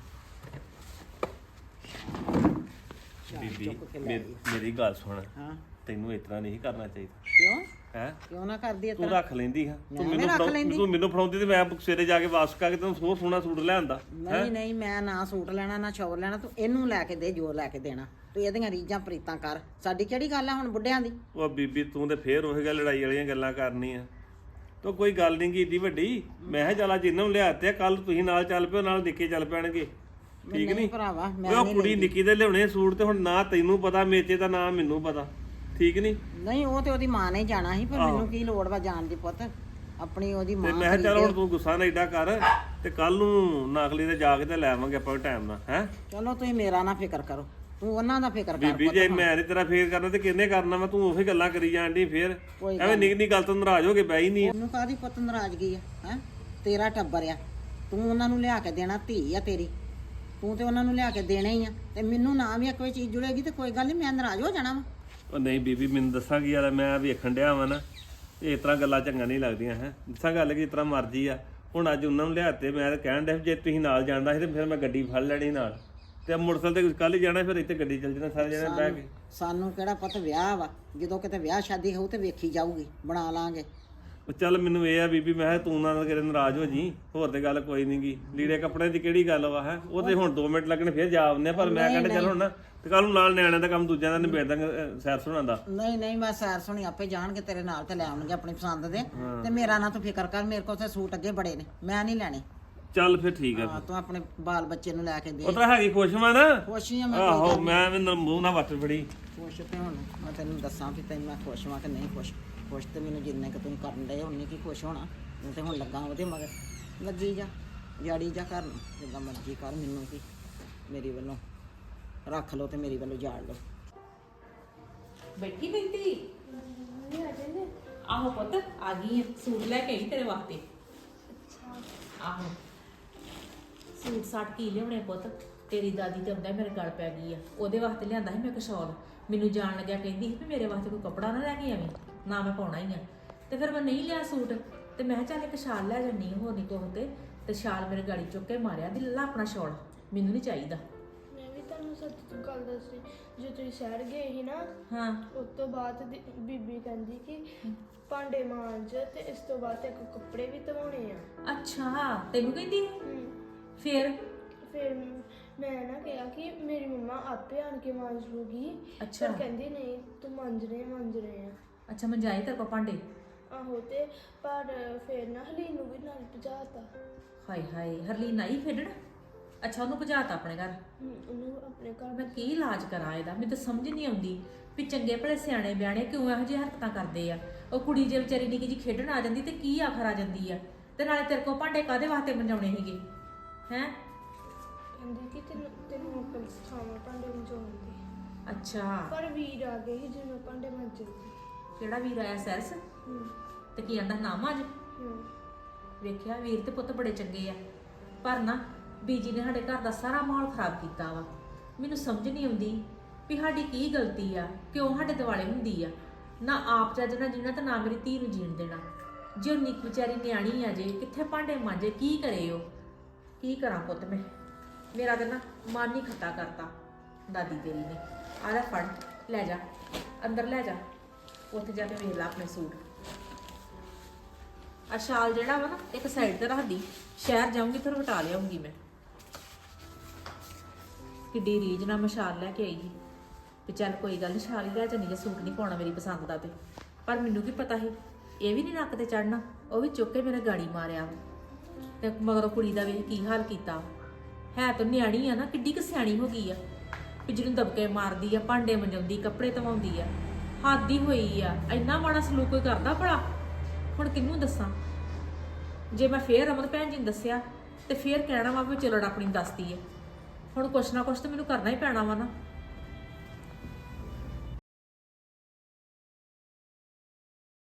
[SPEAKER 6] ਬੀਬੀ ਮੇਰੀ ਗੱਲ ਸੁਣ,
[SPEAKER 3] ਹਾਂ
[SPEAKER 6] ਤੈਨੂੰ ਇਸ ਤਰ੍ਹਾਂ ਨਹੀਂ ਕਰਨਾ ਚਾਹੀਦਾ,
[SPEAKER 3] ਕਿਉਂ
[SPEAKER 6] ਹੈ।
[SPEAKER 3] ਕਿਉਂ ਨਾ ਕਰਦੀ ਇਸ
[SPEAKER 6] ਤੂੰ
[SPEAKER 3] ਤਰ੍ਹਾਂ?
[SPEAKER 6] ਰੱਖ ਲੈਂਦੀ ਹਾਂ,
[SPEAKER 3] ਮੈਂ ਰੱਖ ਲੈਂਦੀ।
[SPEAKER 6] ਤੂੰ ਮੈਨੂੰ ਫੜਾਉਂਦੀ ਤੇ ਮੈਂ ਸਵੇਰੇ ਜਾ ਕੇ ਵਾਪਸ ਕਰਕੇ ਤੈਨੂੰ ਸੋਹ ਸੋਹਣਾ ਸੂਟ ਲੈ ਆਂਦਾ।
[SPEAKER 3] ਨਹੀਂ ਨਹੀਂ ਮੈਂ ਨਾ ਸੂਟ ਲੈਣਾ ਨਾ ਸ਼ੌਰ ਲੈਣਾ, ਤੂੰ ਇਹਨੂੰ ਲੈ ਕੇ ਦੇ ਜੋ ਲੈ ਕੇ ਦੇਣਾ, ਤੂੰ ਇਹਦੀਆਂ ਰੀਝਾਂ ਪ੍ਰੀਤਾਂ ਕਰ, ਸਾਡੀ ਕਿਹੜੀ ਗੱਲ ਆ ਹੁਣ ਬੁੱਢਿਆਂ ਦੀ।
[SPEAKER 6] ਉਹ ਬੀਬੀ ਤੂੰ ਤੇ ਫੇਰ ਉਹੀ ਗੱਲ ਲੜਾਈ ਵਾਲੀਆਂ ਗੱਲਾਂ ਕਰਨੀ ਆ। ਤੋ ਕੋਈ ਗੱਲ ਨਹੀਂ ਗੀ ਏਡੀ ਵੱਡੀ। ਮੈਂ ਕਿਹਾ ਚੱਲ ਅੱਜ ਇਹਨਾਂ ਨੂੰ ਲਿਆਤੇ, ਕੱਲ ਤੁਸੀਂ ਨਾਲ ਚੱਲ ਪਿਓ, ਨਾਲ ਨਿੱਕੇ ਚੱਲ ਪੈਣਗੇ, ਠੀਕ ਨਹੀਂ
[SPEAKER 3] ਭਰਾਵਾ ਮੈਂ
[SPEAKER 6] ਉਹ
[SPEAKER 3] ਨਹੀਂ
[SPEAKER 6] ਕੁੜੀ ਨਿੱਕੀ ਦੇ ਲਿਆਉਣੇ ਸੂਟ, ਤੇ ਹੁਣ ਨਾ ਤੈਨੂੰ ਪਤਾ ਮੇਚੇ ਦਾ, ਨਾ ਮੈਨੂੰ ਪਤਾ, ਠੀਕ ਨਹੀਂ।
[SPEAKER 3] ਨਹੀਂ ਉਹ ਤੇ ਉਹਦੀ ਮਾਂ ਨੇ ਜਾਣਾ ਸੀ, ਪਰ ਮੈਨੂੰ ਕੀ ਲੋੜ ਵਾ ਜਾਣ ਦੀ ਪੁੱਤ, ਆਪਣੀ ਉਹਦੀ
[SPEAKER 6] ਤੇ
[SPEAKER 3] ਮਾਂ
[SPEAKER 6] ਮੈਂ ਕਿਹਾ ਚੱਲ ਹੁਣ ਤੂੰ ਗੁੱਸਾ ਨਾ ਏਡਾ ਕਰ, ਤੇ ਕੱਲ ਨੂੰ ਨਾਖਲੀ ਤੇ ਜਾ ਕੇ ਤੇ ਲੈ ਆਵਾਂਗੇ ਆਪਾਂ ਟਾਈਮ ਨਾਲ, ਹੈ।
[SPEAKER 3] ਚਲੋ ਤੁਸੀਂ ਮੇਰਾ ਨਾ ਫਿਕਰ ਕਰੋ, ਤੂੰ ਉਹਨਾਂ ਦਾ ਫਿਕਰ ਕਰ
[SPEAKER 6] ਬੀਬੀ ਜੇ ਮੈਂ ਨੀ ਤੇਰਾ ਫੇਰ ਕਰਨਾ ਤੇ ਕਿਹਨੇ ਕਰਨਾ ਵਾ, ਤੂੰ ਉਹੀ ਗੱਲਾਂ ਕਰੀ ਜਾਣ ਡਈ ਫੇਰ,
[SPEAKER 3] ਕੋਈ
[SPEAKER 6] ਐਵੇਂ ਨਿੱਕੀ ਨਿੱਕੀ ਗੱਲ ਤੋਂ ਨਾਰਾਜ਼ ਹੋ ਕੇ ਬਹਿ ਹੀ ਨਹੀਂ।
[SPEAKER 3] ਉਹਨੂੰ ਕਾਹਦੀ ਪੁੱਤ ਨਾਰਾਜ਼ਗੀ ਆ, ਹੈ ਤੇਰਾ ਟੱਬਰ ਆ, ਤੂੰ ਉਹਨਾਂ ਨੂੰ ਲਿਆ ਕੇ ਦੇਣਾ, ਧੀ ਆ ਤੇਰੀ, ਤੂੰ ਤੇ ਉਹਨਾਂ ਨੂੰ ਲਿਆ ਕੇ ਦੇਣਾ ਹੀ ਆ, ਤੇ ਮੈਨੂੰ ਨਾ ਵੀ ਕੋਈ ਚੀਜ਼ ਜੁੜੇਗੀ ਤੇ ਕੋਈ ਗੱਲ ਨਹੀਂ, ਮੈਂ ਨਾਰਾਜ਼ ਹੋ ਜਾਣਾ ਵਾ।
[SPEAKER 6] ਉਹ ਨਹੀਂ ਬੀਬੀ ਮੈਨੂੰ ਦੱਸਾਂਗੀ ਯਾਰ, ਮੈਂ ਵੇਖਣ ਡਿਆ ਵਾਂ ਨਾ, ਇਸ ਤਰ੍ਹਾਂ ਗੱਲਾਂ ਚੰਗਾ ਨਹੀਂ ਲੱਗਦੀਆਂ, ਹੈ। ਦੱਸਾਂ ਗੱਲ ਕਿ ਇਸ ਤਰ੍ਹਾਂ ਮਰਜ਼ੀ ਆ, ਹੁਣ ਅੱਜ ਉਹਨਾਂ ਨੂੰ ਲਿਆਤੇ, ਮੈਂ ਤਾਂ ਕਹਿਣ ਡਿਆ ਜੇ ਤੁਸੀਂ ਨਾਲ ਜਾਂਦਾ ਸੀ ਤੇ ਫਿਰ ਮੈਂ ਗੱਡੀ ਫੜ ਲੈਣੀ ਨਾਲ, ਤੇ ਮੋਟਰਸਾਈਕਲ ਤੇ ਕੱਲ ਹੀ ਜਾਣਾ, ਫਿਰ ਇੱਥੇ ਗੱਡੀ ਚੱਲ ਜਾਣਾ ਸਾਰੇ ਜਣੇ ਬਹਿ ਕੇ।
[SPEAKER 3] ਸਾਨੂੰ ਕਿਹੜਾ ਪੁੱਤ ਵਿਆਹ ਵਾ, ਜਦੋਂ ਕਿਤੇ ਵਿਆਹ ਸ਼ਾਦੀ ਹੋਊ ਤੇ ਵੇਖੀ ਜਾਊਗੀ, ਬਣਾ ਲਾਂਗੇ।
[SPEAKER 6] ਉਹ ਚੱਲ ਮੈਨੂੰ ਇਹ ਆ ਬੀਬੀ, ਮੈਂ ਕਿਹਾ ਤੂੰ ਨਾ ਕਿਤੇ ਨਾਰਾਜ਼ ਹੋ ਜੀ, ਹੋਰ ਤੇ ਗੱਲ ਕੋਈ ਨੀ ਗੀ, ਲੀੜੇ ਕੱਪੜੇ ਦੀ ਕਿਹੜੀ ਗੱਲ ਵਾ, ਹੈ। ਉਹ ਤੇ ਹੁਣ 2 ਮਿੰਟ ਲੱਗਣੇ ਫਿਰ ਜਾ ਆਉਂਦੇ ਆ, ਪਰ ਮੈਂ ਕਹਿੰਦਾ ਚੱਲ ਹੁਣ ਨਾ, ਤੇ ਕੱਲ ਨੂੰ ਨਾਲ ਨਿਆਣਿਆਂ ਦਾ ਕੰਮ ਦੂਜਿਆਂ ਦਾ ਨਿਬੇੜ ਦਾਂਗੇ, ਸੈਰ ਸੁਣਾਉਣ ਦਾ।
[SPEAKER 3] ਨਹੀਂ ਨਹੀਂ ਮੈਂ ਸੈਰ ਸੁਣੀ ਆਪੇ ਜਾਣਗੇ ਤੇਰੇ ਨਾਲ ਤੇ ਲੈ ਆਉਣਗੇ ਆਪਣੀ ਪਸੰਦ ਦੇ, ਤੇ ਮੇਰਾ ਨਾ ਤੂੰ ਫਿਕਰ ਕਰ, ਮੇਰੇ ਕੋਲ ਤੇ ਸੂਟ ਅੱਗੇ ਬੜੇ ਨੇ, ਮੈਂ ਨਹੀਂ ਲੈਣੇ।
[SPEAKER 6] ਚੱਲ ਫਿਰ ਠੀਕ ਆ।
[SPEAKER 3] ਹਾਂ ਤੂੰ ਆਪਣੇ ਬਾਲ ਬੱਚੇ ਨੂੰ ਲੈ ਕੇ ਦੇ।
[SPEAKER 6] ਉਹ ਤਾਂ ਹੈਗੀ ਖੁਸ਼ ਵਾ ਨਾ।
[SPEAKER 3] ਖੁਸ਼ੀ ਆ ਮੈਂ,
[SPEAKER 6] ਆਹੋ ਮੈਂ ਵੀ ਮੂੰਹ ਨਾ ਵੱਟ ਫੜੀ।
[SPEAKER 3] ਖੁਸ਼ ਤੇ ਹੁਣ ਮੈਂ ਤੈਨੂੰ ਦੱਸਾਂ ਵੀ ਤੈਨੂੰ ਮੈਂ ਖੁਸ਼ ਵਾਂ ਕਿ ਨਹੀਂ ਖੁਸ਼। ਖੁਸ਼ ਤੇ ਮੈਨੂੰ ਜਿੰਨੇ ਕਿ ਤੂੰ ਕਰਨ ਡਏ ਉਨੀ ਕੀ ਖੁਸ਼ ਹੋਣਾ, ਮੈਂ ਤੇ ਹੁਣ ਲੱਗਾ ਉਹਦੇ ਮਗਰ, ਲੱਗੀ ਜਾ ਜਾੜੀ ਜਾ ਕਰਨ, ਜਿੱਦਾਂ ਮਰਜ਼ੀ ਕਰ, ਮੈਨੂੰ ਕੀ, ਮੇਰੀ ਵੱਲੋਂ ਰੱਖ ਲਓ ਤੇ ਮੇਰੀ ਵੱਲੋਂ ਜਾੜ ਲਓ।
[SPEAKER 2] ਬੈਠੀ ਬੈਠੀ
[SPEAKER 4] ਨਹੀਂ ਆ ਜਾਂਦੇ।
[SPEAKER 2] ਆਹੋ ਪੁੱਤ ਆ ਗਈ ਆ, ਸੂਟ ਲੈ ਕੇ ਆਈ ਤੇਰੇ ਵਾਸਤੇ। ਆਹੋ ਸੂਟ ਸਾਟ ਕੀ ਲਿਆਉਣੇ ਪੁੱਤ, ਤੇਰੀ ਦਾਦੀ ਤੇ ਆਉਂਦਾ ਮੇਰੇ ਗਲ ਪੈ ਗਈ ਆ, ਉਹਦੇ ਵਾਸਤੇ ਲਿਆਂਦਾ ਸੀ ਮੈਂ ਇੱਕ ਸ਼ਾਲ। ਮੈਨੂੰ ਜਾਣ ਲੱਗਿਆ ਕਹਿੰਦੀ ਸੀ ਵੀ ਮੇਰੇ ਵਾਸਤੇ ਕੋਈ ਕੱਪੜਾ ਨਾ ਲੈ ਕੇ ਆਵੀਂ, ਨਾ ਮੈਂ ਪਾਉਣਾ ਹੀ ਆ, ਤੇ ਫਿਰ ਮੈਂ ਨਹੀਂ ਲਿਆ ਸੂਟ, ਤੇ ਮੈਂ ਕਿਹਾ ਚੱਲ ਇੱਕ ਸ਼ਾਲ ਲੈ ਜੰਨੀ ਹੋਰ ਨਹੀਂ ਕੋਹ ਤੇ ਸ਼ਾਲ ਮੇਰੇ ਗਾੜੀ ਚੁੱਕ ਕੇ ਮਾਰਿਆ ਦੀ, ਲੱਲਾ ਆਪਣਾ ਸ਼ਾਲ, ਮੈਨੂੰ ਨਹੀਂ ਚਾਹੀਦਾ।
[SPEAKER 4] ਮੈਂ ਵੀ ਤੁਹਾਨੂੰ ਸੱਚ ਗੱਲ ਦੱਸੀ, ਜੇ ਤੁਸੀਂ ਸ਼ਹਿਰ ਗਏ ਸੀ ਨਾ,
[SPEAKER 2] ਹਾਂ
[SPEAKER 4] ਉਸ ਤੋਂ ਬਾਅਦ ਬੀਬੀ ਕਹਿੰਦੀ ਕਿ ਭਾਂਡੇ ਮਾਂਜ ਤੇ ਇਸ ਤੋਂ ਬਾਅਦ ਤੇ ਕੱਪੜੇ ਵੀ ਧਵਾਉਣੇ ਆ।
[SPEAKER 2] ਅੱਛਾ ਤੈਨੂੰ ਕਹਿੰਦੀ ਫਿਰ
[SPEAKER 4] ਫਿਰ ਮੈਂ ਨਾ ਕਿਹਾ ਕਿ ਮੇਰੀ ਮੰਮਾ ਆਪੇ ਆਣ ਕੇ ਮਾਂਜ ਲੂਗੀ।
[SPEAKER 2] ਅੱਛਾ।
[SPEAKER 4] ਪਰ ਕਹਿੰਦੀ ਨਹੀਂ ਤੂੰ ਮਾਂਜ ਰਹੇ ਆ।
[SPEAKER 2] ਅੱਛਾ ਮੈਂ ਜਾਈ ਤੇਰੇ ਕੋਲ ਭਾਂਡੇ।
[SPEAKER 4] ਆਹੋ ਤੇ ਪਰ ਫਿਰ ਨਾ ਹਲੀਨ ਨੂੰ ਵੀ ਨਾਲ ਭਜਾਤਾ।
[SPEAKER 2] ਹਾਏ ਹਾਏ ਹਰਲੀਨ ਆਈ ਖੇਡਣ? ਅੱਛਾ ਉਹਨੂੰ ਭਜਾਤਾ ਆਪਣੇ ਘਰ?
[SPEAKER 4] ਉਹਨੂੰ ਆਪਣੇ ਘਰ।
[SPEAKER 2] ਮੈਂ ਕੀ ਇਲਾਜ ਕਰਾਂ ਇਹਦਾ, ਮੈਨੂੰ ਤਾਂ ਸਮਝ ਨਹੀਂ ਆਉਂਦੀ ਵੀ ਚੰਗੇ ਭਲੇ ਸਿਆਣੇ ਬਿਆਣੇ ਕਿਉਂ ਇਹੋ ਜਿਹੀ ਹਰਕਤਾਂ ਕਰਦੇ ਆ। ਉਹ ਕੁੜੀ ਜੇ ਵਿਚਾਰੀ ਨਿੱਕੀ ਜੀ ਖੇਡਣ ਆ ਜਾਂਦੀ ਤੇ ਕੀ ਆਖਰ ਆ ਜਾਂਦੀ ਆ, ਤੇ ਨਾਲੇ ਤੇਰੇ ਕੋਲ ਭਾਂਡੇ ਕਾਹਦੇ ਵਾਸਤੇ ਮੰਜਾਉਣੇ ਸੀਗੇ ਹੈ?
[SPEAKER 4] ਕਹਿੰਦੀ ਕਿ ਤੈਨੂੰ ਹੁਕਮ ਸਿਖਾਵਾਂ ਭਾਂਡੇ ਮੰਜਾਉਣ ਦੀ।
[SPEAKER 2] ਅੱਛਾ
[SPEAKER 4] ਪਰ ਵੀਰ ਆ ਗਏ ਸੀ ਜਿਹਨੂੰ ਭਾਂਡੇ ਮੰਜਣ।
[SPEAKER 2] ਕਿਹੜਾ ਵੀਰ ਆਇਆ ਸੈਰਸ? ਤੇ ਕੀ ਆਂਦਾ ਨਾਮ ਅੱਜ? ਵੇਖਿਆ ਵੀਰ ਤੇ ਪੁੱਤ ਬੜੇ ਚੰਗੇ ਆ, ਪਰ ਨਾ ਬੀਜੀ ਨੇ ਸਾਡੇ ਘਰ ਦਾ ਸਾਰਾ ਮਾਹੌਲ ਖਰਾਬ ਕੀਤਾ ਵਾ। ਮੈਨੂੰ ਸਮਝ ਨਹੀਂ ਆਉਂਦੀ ਵੀ ਸਾਡੀ ਕੀ ਗਲਤੀ ਆ, ਕਿਉਂ ਸਾਡੇ ਦਿਵਾਲੇ ਹੁੰਦੀ ਆ। ਨਾ ਆਪ ਚੱਜ ਨਾਲ ਜੀਣਾ ਤੇ ਨਾ ਮੇਰੀ ਧੀ ਨੂੰ ਜੀਣ ਦੇਣਾ। ਜੇ ਉਹ ਨਿੱਕੀ ਵਿਚਾਰੀ ਨਿਆਣੀ ਆ ਜੇ, ਕਿੱਥੇ ਭਾਂਡੇ ਮਾਂਜੇ, ਕੀ ਕਰੇ ਉਹ ਕੀ ਕਰਾਂ ਪੁੱਤ ਮੈਂ, ਮੇਰਾ ਤਾਂ ਨਾ ਮਨ ਹੀ ਖੱਟਾ ਕਰਤਾ ਦਾਦੀ ਤੇਰੀ ਨੇ। ਆ ਲੈ ਫੜ, ਲੈ ਜਾ ਅੰਦਰ, ਲੈ ਜਾ ਉੱਥੇ ਜਾ ਕੇ ਵੇਖ ਲੈ ਆਪਣੇ ਸੂਟ। ਆ ਸ਼ਾਲ ਜਿਹੜਾ ਵਾ ਨਾ ਇੱਕ ਸਾਈਡ ਤੇ ਰੱਖਦੀ, ਸ਼ਹਿਰ ਜਾਊਂਗੀ ਫਿਰ ਵਟਾ ਲਿਆਉਂਗੀ ਮੈਂ। ਕਿੱਡੀ ਰੀਝ ਨਾਲ ਮੈਂ ਸ਼ਾਲ ਲੈ ਕੇ ਆਈ ਸੀ ਤੇ ਚੱਲ ਕੋਈ ਗੱਲ ਨਹੀਂ, ਸ਼ਾਲ ਹੀ ਲੈ ਜਾਂਦੀ ਜੇ ਸੂਟ ਨਹੀਂ ਪਾਉਣਾ ਮੇਰੀ ਪਸੰਦ ਦਾ ਤੇ। ਪਰ ਮੈਨੂੰ ਕੀ ਪਤਾ ਸੀ ਇਹ ਵੀ ਨਹੀਂ ਨੱਕ ਤੇ ਚੜਨਾ, ਉਹ ਵੀ ਚੁੱਕ ਕੇ ਮੇਰੇ ਗਾੜੀ ਮਾਰਿਆ ਤੇ ਮਗਰੋਂ ਕੁੜੀ ਦਾ ਵੇਖ ਕੀ ਹਾਲ ਕੀਤਾ। ਹੈ ਤਾਂ ਨਿਆਣੀ ਆ ਨਾ, ਕਿੱਡੀ ਕੁ ਸਿਆਣੀ ਹੋ ਗਈ ਆ ਵੀ ਜਿਹਨੂੰ ਦਬਕੇ ਮਾਰਦੀ ਆ, ਭਾਂਡੇ ਮੰਜਾਉਂਦੀ, ਕੱਪੜੇ ਧਵਾਉਂਦੀ ਆ, ਹੱਦ ਹੀ ਹੋਈ ਆ। ਇੰਨਾ ਮਾੜਾ ਸਲੂਕ ਕੋਈ ਕਰਦਾ ਭਲਾ? ਹੁਣ ਕਿਹਨੂੰ ਦੱਸਾਂ? ਜੇ ਮੈਂ ਫੇਰ ਰਮਨ ਭੈਣ ਜੀ ਨੂੰ ਦੱਸਿਆ ਤੇ ਫੇਰ ਕਹਿਣਾ ਵਾ ਵੀ ਚਲੜ ਆਪਣੀ ਦੱਸਦੀ ਹੈ। ਹੁਣ ਕੁਛ ਨਾ ਕੁਛ ਤਾਂ ਮੈਨੂੰ ਕਰਨਾ ਹੀ ਪੈਣਾ ਵਾ ਨਾ।